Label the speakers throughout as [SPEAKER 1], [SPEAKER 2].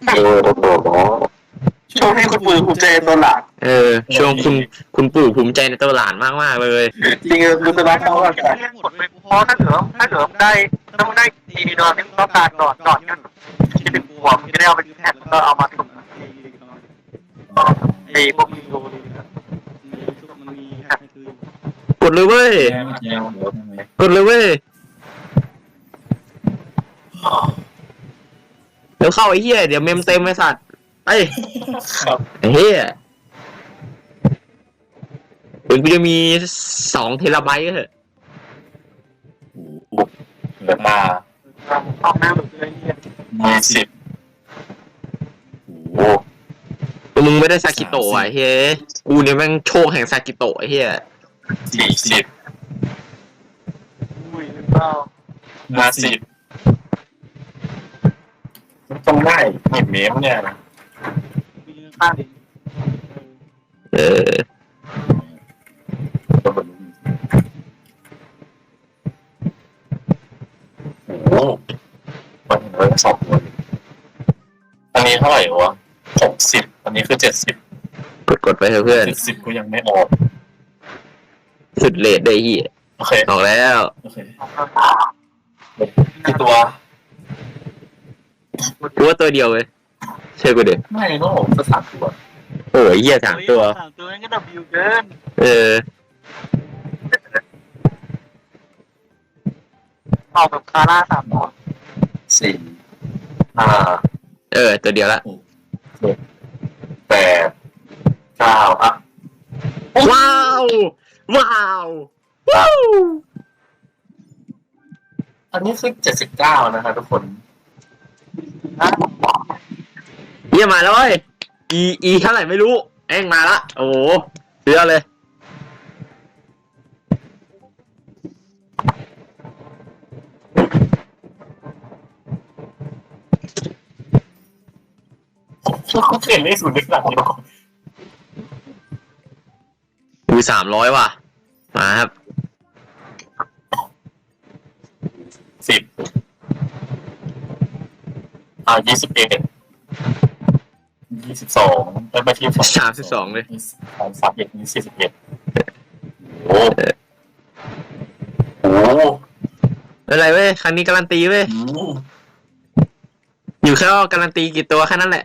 [SPEAKER 1] โดดล้อช่วงให้คุณปู่ภูมิใจตัวหลาน
[SPEAKER 2] ช่วงคุณปู่ภูมิใจในตัวหลานมากๆเลย
[SPEAKER 1] จริงๆรู้สึกว่าเขาว่าเพราะถ้าเกิดได้ต้องได้ดีนอนต้องการนอนกันคิดถึงหัวมันจะได้เอาไปแทนแล้วก็เอามาถุงไอ้พวกยูนี่
[SPEAKER 2] กดเลยเว้ยกดเลยเว้ยเดี๋ยวเข้าไอ้เหี้ยเดี๋ยวเมมเต็มไอ้สัตว์ไอ้เหี้ยถึงกูจะมี2 เทราไบต์ก็เถอะ
[SPEAKER 1] เหลือมาห้องน้ำหรืออะไรเนี่ยมี10โอ้
[SPEAKER 2] มึงไม่ได้ซากิโตะไอ้เหี้ยกูเนี่ยแม่งโชคแห่งซากิโตะไอ้เหี้ย
[SPEAKER 1] 40อุ้ยหรือเปล่า50ต้องได้หยิบเมมเนี่ยนะข้างดิโอ้มันเริ่ม2 คนอันนี้เท่าไหร่วะ60อันนี้คือ70
[SPEAKER 2] กดไปเถอะเพื่อน
[SPEAKER 1] 70ก็ยังไม่ออก
[SPEAKER 2] สุดเลทได้ที่
[SPEAKER 1] โอเค
[SPEAKER 2] ออกแล้ว
[SPEAKER 1] โอเคกี่ตัว
[SPEAKER 2] กูว่าตัวเดียวเลยเชื่อกูดิ
[SPEAKER 1] ไม่ต้องออกสัก3 ตัว
[SPEAKER 2] โอ้ยเหี้ย3 ตัว
[SPEAKER 1] นั่นก็Wเกินออกแบบคาร่า3 ตัว4 5
[SPEAKER 2] ตัวเดียวละ
[SPEAKER 1] 7 8 9อ่ะ
[SPEAKER 2] ว้าว
[SPEAKER 1] อันนี้คือ79นะครับทุกคน
[SPEAKER 2] เยี่ยมมาแล้วเว้ยอีเท่าไหร่ไม่รู้เอ็งมาละโอ้โหเสือเลย
[SPEAKER 1] เขาเขียนเลข0นึกหลังนี้ก่อน
[SPEAKER 2] 300ว่ะมาครับ
[SPEAKER 1] 10 21 22แล้วมาที่
[SPEAKER 2] 32เลย
[SPEAKER 1] 31นี่41โอ้
[SPEAKER 2] อะไรเว้ยครั้งนี้การันตีเว้ยอยู่แค่การันตีกี่ตัวแค่นั้นแหละ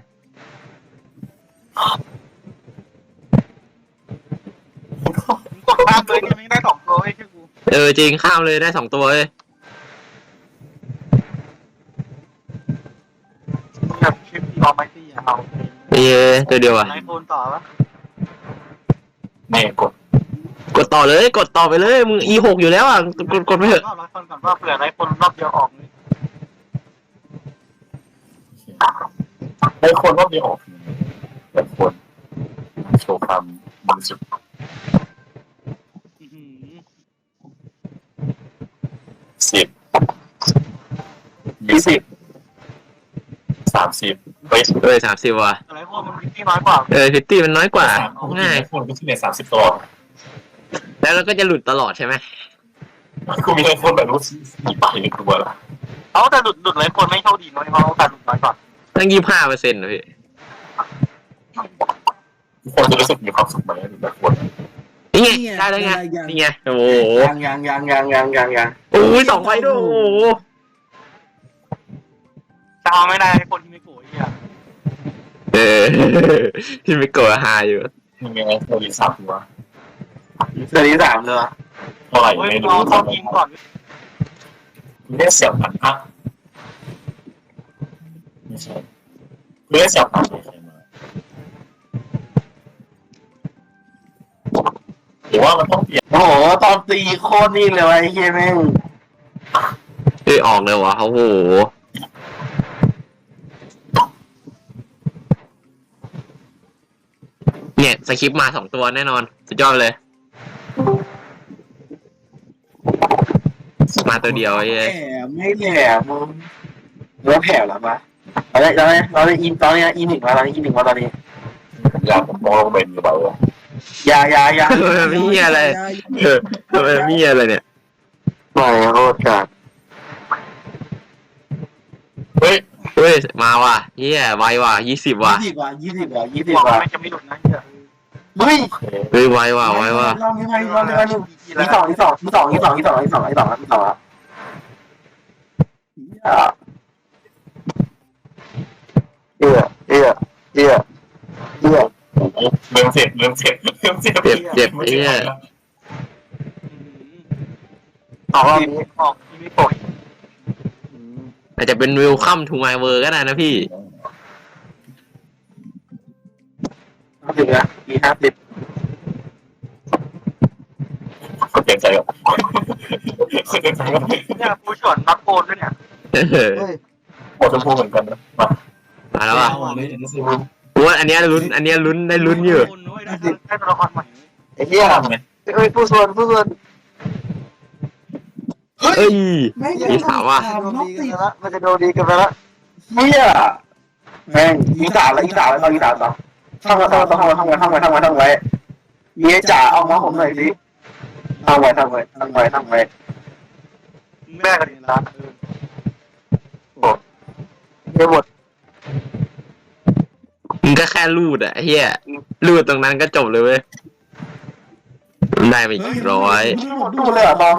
[SPEAKER 1] ข้ามเลยยังได้2 ตัวให้แค่กู
[SPEAKER 2] จริงข้ามเลยได้2 ตัวเลย
[SPEAKER 1] แบบคลิปรอไม่ตีเอา
[SPEAKER 2] ตัวเดียวอ่ะ
[SPEAKER 1] ไอโฟนต่อวะนี่
[SPEAKER 2] กดต่อเลยกดต่อไปเลยมึง E6 อยู่แล้วอ่ะกดไปเถอะ
[SPEAKER 1] รอคนก่อนว่าเผื่อไอโฟนรอบเดียวออกไอโฟนรอบเดียวออกแบบคนโชว์ความมือสุด10 20 30
[SPEAKER 2] 30ว่ะ
[SPEAKER 1] อะไรพวกมันพิตตี้น้อยกว่า
[SPEAKER 2] พิตตี้มันน้อยกว่าง่าย
[SPEAKER 1] คนพิตตี้เนี่ย30 ตัว
[SPEAKER 2] แล้วเราก็จะหลุดตลอดใช่ไหม
[SPEAKER 1] กูมีไอโฟนแบบรู้สีไปในตัวละแต่หลุดไอโฟนไม่เท่าดีน้อยเพราะการหลุดน้อยกว่า
[SPEAKER 2] ตั้ง25%เลย
[SPEAKER 1] ทุกคนจะรู้สึกมีความสุขไหมหรือแบบคน
[SPEAKER 2] นี่ไงได้แล้วไงนี่ไงโอ้โห
[SPEAKER 1] ยัง
[SPEAKER 2] โอ้ย2 ใบด้วยโอ้โห
[SPEAKER 1] จะเอาไม่ได้คนที่ไม่โกรธ
[SPEAKER 2] ที่ไม่โกรธหาอยู่
[SPEAKER 1] ยังไงตัวนี้3 ตัวตัวนี้3 เลยเท่าไหร่ไม่รู้ต้องยิงก่อนเรียกเสี่ยวผันอ่ะไม่ใช่เรียกเสี่ยวผันหรือว่ามันต้องเปลี่ยนโอ้โหตอนตีโคตรนิ่งเลยไอ้เหี้ยแม่ง
[SPEAKER 2] ออกเลยวะโอ้โหเนี่ยสคริปต์มา2 ตัวแน่นอนสุดยอดเลยมาตัวเดียวไอ้
[SPEAKER 1] ไม่แผ่มึงแล้วแผ่หรอปะเราได้อินตอนนี้อิน1แล้วตอนนี้อิน1แล้วตอนนี้อยากมองเป็นอยู่เปล่าอย่า
[SPEAKER 2] ไม่มีอะไรไม่มีอะไรเนี่ย
[SPEAKER 1] ไม่โคตรจัดเฮ้ย
[SPEAKER 2] เฮ้ยมาว่ะเฮียไวว่ะ20ว่ะ
[SPEAKER 1] 20
[SPEAKER 3] บอก
[SPEAKER 1] ว่ะ
[SPEAKER 3] ไม่จะไม่หลุดนะเหี้ย
[SPEAKER 1] เฮ้ย
[SPEAKER 2] เฮ้ยไวว่ะไวว่ะ
[SPEAKER 1] รอบนี้มีสองเอื้อเริ่มเสร็จ
[SPEAKER 2] เจ็บเฮีย
[SPEAKER 1] ออกรอบนี้
[SPEAKER 3] ออกที่ไม่ปล่อย
[SPEAKER 2] อาจจะเป็นวิวคัมทูไมเวอร์ก็ได้นะพี่
[SPEAKER 1] ถึงนะมี50คนเจ็บใจอ่ะคนเจ็บใจอ่ะ
[SPEAKER 3] เนี่ยผู้ชวนนักโอนด้วยเนี่ย
[SPEAKER 1] หมดชมพูเหมือนกันนะมา
[SPEAKER 2] มาแล้วว่ะกูว่าอันเนี้ยลุ้นได้ลุ้นอยู่
[SPEAKER 3] ได้ตัวละครใหม่
[SPEAKER 1] ไอ้เหี้ยเฮ้ยผู้ส่วน
[SPEAKER 2] เฮ้ยมีถามว่า
[SPEAKER 1] มันจะโดนดีกันไปละเหี้ยแม่งยิงสามแล้วยิงสามต่อท่องไว้เมียจ๋าเอามาผมหน่อยสิท่องไว้
[SPEAKER 3] แม่กันละ
[SPEAKER 1] เดี๋ยวหมด
[SPEAKER 2] มึงก็แค่รูดอะเฮียรูดตรงนั้นก็จบเลยเว้ยได้ไปอีก100
[SPEAKER 1] ดูเลยอ่ะตอง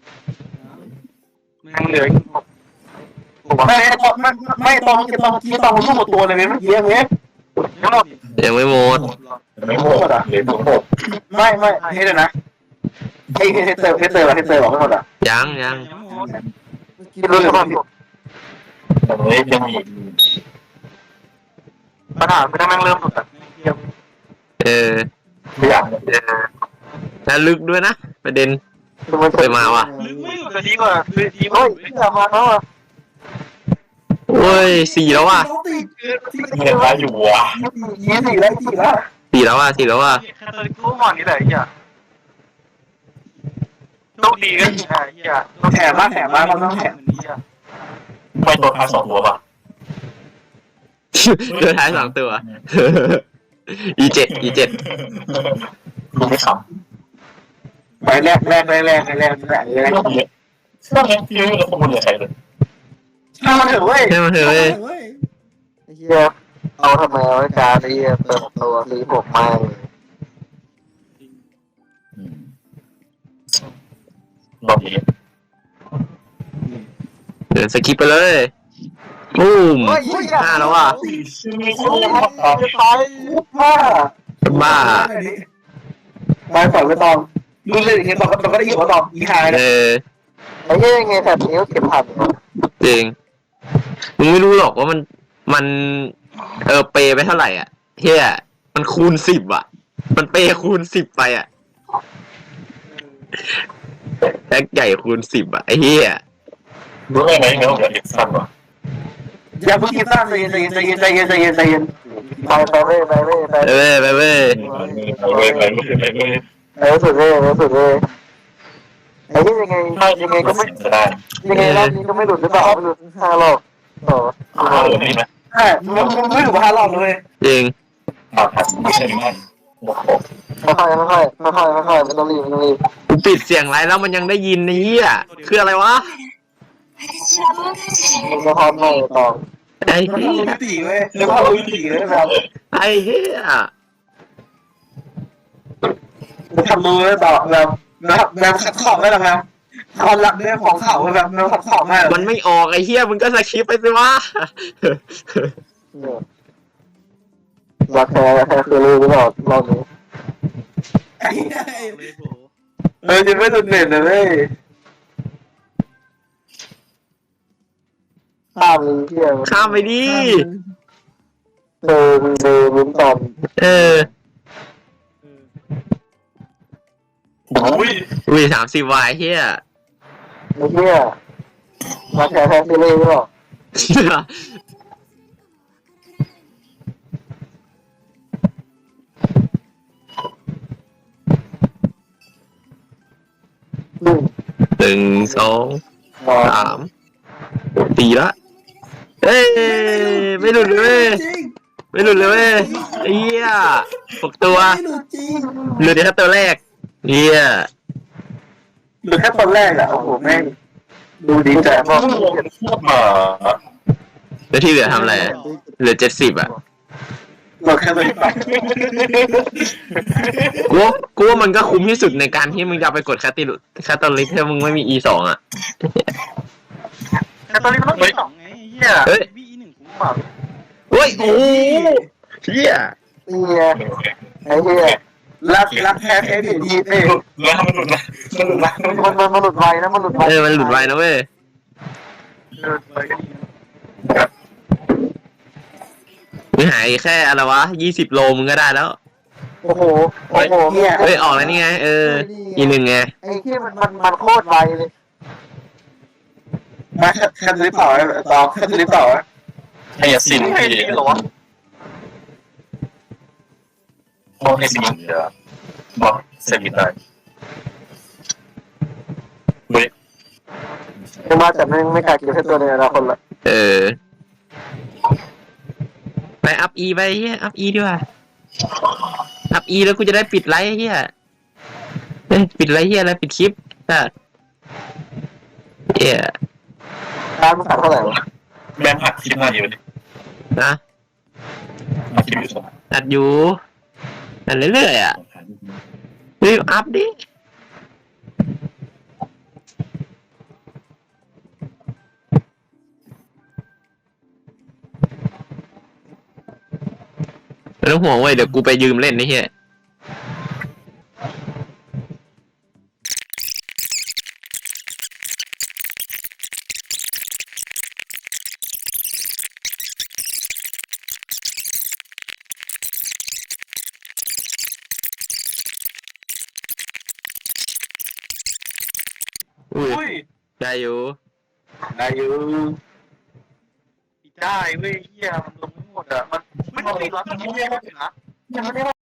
[SPEAKER 3] แม่งเหลืออีก
[SPEAKER 1] ไม่ตองรูปหมดตัวเลยเมื่อกี้เงี้ย
[SPEAKER 3] ทั้งหมด
[SPEAKER 2] ยังไม่หมด
[SPEAKER 1] ไม่หมดอ่ะไม่ให้เลยนะให้เตอร์บอกไม่หมดอ่ะ
[SPEAKER 2] ยัง
[SPEAKER 1] รู้เลยว่ายังมี
[SPEAKER 3] ปัญหาคือถ้าแม่งเริ่มหลุดอ่ะ
[SPEAKER 1] ไม่อยาก
[SPEAKER 2] แล้วลึกด้วยนะประเด็นไปมาว่ะ
[SPEAKER 3] ลึกไม่หลุดเลยดีกว่าคือดี
[SPEAKER 1] เฮ้ยอย่ามาเนาะ
[SPEAKER 2] โอ้ย4แล้วว่ะ
[SPEAKER 1] เห็นว่าอยู่วะ4แล้ว
[SPEAKER 2] 4แล้วว่ะ4แล้วว่ะ
[SPEAKER 3] แค่ตัวกู้หมอนนี่แหละไอ้เหี้ยโชคดีกันไอ้เหี้ย
[SPEAKER 1] แถมมากมันต้องแถม ไม่ตัวท้าย2ตัวป่ะ
[SPEAKER 2] เดือท้าย2ตัว E7
[SPEAKER 1] ไม่ขำไปแรกช่างแรกพี่ไม่รู้ข้อมูลใครเลยช่างมันเถอะเว้ย
[SPEAKER 2] ให้มาเถอะเว้ย
[SPEAKER 1] เฮียเอาทำไมเอาการไอ้เหี้ยเติมตัวสีผมมาลองดี
[SPEAKER 2] เดินสกิปไปเลยบูม5แล้วว่ะ บ้า
[SPEAKER 1] ไปฝันไปตองดูเลยเห็นบอกก็ได้ยินว่าตองอีหายนะไอ้เหี้ยไงแบบนี้ก็เก็บผ่าน
[SPEAKER 2] จริงมึงไม่รู้หรอกว่ามันเปย์ไปเท่าไหร่อ่ะเฮียมันคูณ10อ่ะ มันเปย์คูณ10ไปอ่ะแพ็กใหญ่คูณ10อ่ะไอ้เฮีย
[SPEAKER 1] รู้ไหมไม่ต้องเดี๋ยวเอ็กซ์สั้นวะอย่าเพิ่งคิดสั้นใจเย็นไปเว้ย
[SPEAKER 2] ไปเว้ย
[SPEAKER 1] สุดเลยไอ้ที่ยังไงก็ไม่ยังไงรอบนี้ก็ไม่หลุดหรือเปล่าไม่หลุด5 รอบต่อหลุดนี่ไหมใช่ไม่หลุด5 รอบเลย
[SPEAKER 2] จริง
[SPEAKER 1] ค่อยไม่ต้องรีบ
[SPEAKER 2] กูปิดเสียงไรแล้วมันยังได้ยินนี่อ่ะคืออะไรวะ
[SPEAKER 1] มันจะพร้อมไม่ต่อ
[SPEAKER 2] ไอ้เหี้ย
[SPEAKER 1] ตีเว้ยแล้วพอรู้ตีเลยแบบ
[SPEAKER 2] ไอ้เหี้ย
[SPEAKER 1] ทำมือต่อแบบขัดขอบได้หรอครับความรักเรื่องของเขาแบบขัดขอบมาก
[SPEAKER 2] มันไม่ออกไอ้เหี้ยมึงก็สคริปต์ไปสิวะ
[SPEAKER 1] รักแท้คือรู้หรือเปล่ารอบนี้จะไม่สุดเด่นเลย ข้ามเลยที่
[SPEAKER 2] ข้ามไปดิ
[SPEAKER 1] ลุ้นตอน
[SPEAKER 2] อุ้ย30วายเหี้ย
[SPEAKER 1] ไอ้เหี้ยรักแท้คือรู้หรือเปล่า
[SPEAKER 2] 1 2 3 4ละเอ้ยไม่หลุดเลยไอ้เหี้ย6ตัวหลุดแค่ตัวแรกเหี้ย
[SPEAKER 1] หรือแค่ตอนแรกอะโอ้โหแม่งดูดีแต่พอมา
[SPEAKER 2] แล้วที่เหลือทำอะไรอะเหลือ70อ่ะ
[SPEAKER 1] หมดแค่ตัวไป
[SPEAKER 2] กูว่ามันก็คุ้มที่สุดในการที่มึงจะไปกดแคตตาลิสถ้ามึงไม่มี E2 อ่ะ
[SPEAKER 3] แต่ตอนนี้มันต้อง2ไงเหี้ย
[SPEAKER 2] เฮ้ย
[SPEAKER 3] วี1คุ้มเปล่า
[SPEAKER 2] เฮ้ยโอ้เฮีย
[SPEAKER 1] นี่ไงไอ้เหี้ยรักแท้แท้ผิดทีเอ้ย
[SPEAKER 4] แล้วมันหลุดละมันหลุดละ
[SPEAKER 1] มันหลุดไวนะมันหลุดไว
[SPEAKER 2] มันหลุดไวนะเว้ย มึงหายแค่อะไรวะ20 โลมึงก็ได้แล้ว
[SPEAKER 1] โอ้โหเนี่ย
[SPEAKER 2] เฮ้ยออกแล้วนี่ไงE1ไง
[SPEAKER 1] ไอ้ที่มันโคตรไวเลยมาแค่ลิฟต์ต่อต่อแค่ลิฟต์ต่อ
[SPEAKER 4] ให้ยาสิน
[SPEAKER 3] ไม่
[SPEAKER 4] ที่
[SPEAKER 3] ดีหรอวะ
[SPEAKER 4] บอกให้สินเดี๋ยวบอกเสร็จได้เฮ้ย
[SPEAKER 1] จะมาแต่ไม่กล้ากินแค่ตัวในอนาคตละ
[SPEAKER 2] ไปอัพ E ไปเฮียอัพ E ดีกว่าอัพ E แล้วกูจะได้ปิดไลฟ์เฮียปิดไลฟ์เฮียอะไรปิดคลิปอ่ะเฮีย
[SPEAKER 1] ร้านมันขายเท่าไหร่วะ
[SPEAKER 4] แบนหักคลิปหน้าอยู่ดิ
[SPEAKER 2] นะ
[SPEAKER 4] มาคลิปอยู่สอง
[SPEAKER 2] อัดอยู่อัดเรื่อยๆอ่ะรีบอัพดิไม่ต้องห่วงเว้ยเดี๋ยวกูไปยืมเล่นนี่เฮียอุ้ย
[SPEAKER 3] อุ้ย
[SPEAKER 2] ได้อยู่
[SPEAKER 1] ได้อยู่
[SPEAKER 3] ได้เว้ยเหี้ยมันลงไม่หมดอ่ะมันไม่ต้องตีร้อนมันไม่ได้นะ
[SPEAKER 1] ยังไม่ได้